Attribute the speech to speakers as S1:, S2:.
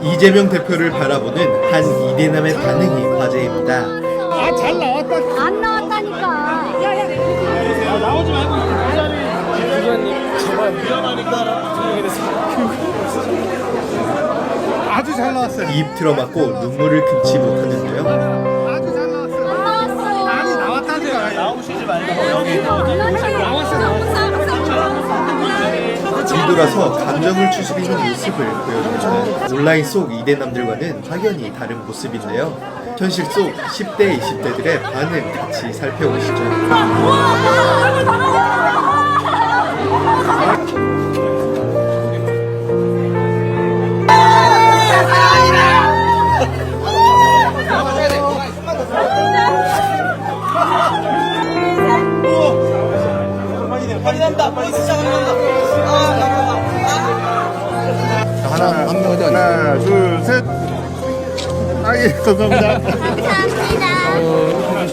S1: 이재명 대표를 바라보는 한 이대남의 반응이 화제입니다.
S2: 아, 잘 나왔다.
S3: 안 나왔다니까.
S2: 아, 나오지 말고 이 자리. 기자님 정말 위험하니까 아주 잘 나왔어요.
S1: 입 틀어막고 눈물을 금치 못하는데요.
S2: 아주 잘 나왔어요.
S3: 나왔어요.
S2: 아니 나왔다니까. 나오시지 말고 여기
S1: 뒤돌아서 감정을 추스리는 모습을 보여줍니다. 온라인 속 이대남들과는 확연히 다른 모습인데요. 현실 속 10대, 20대들의 반응 같이 살펴보시죠.
S2: 하나, 둘, 셋. 아예 감사합니다.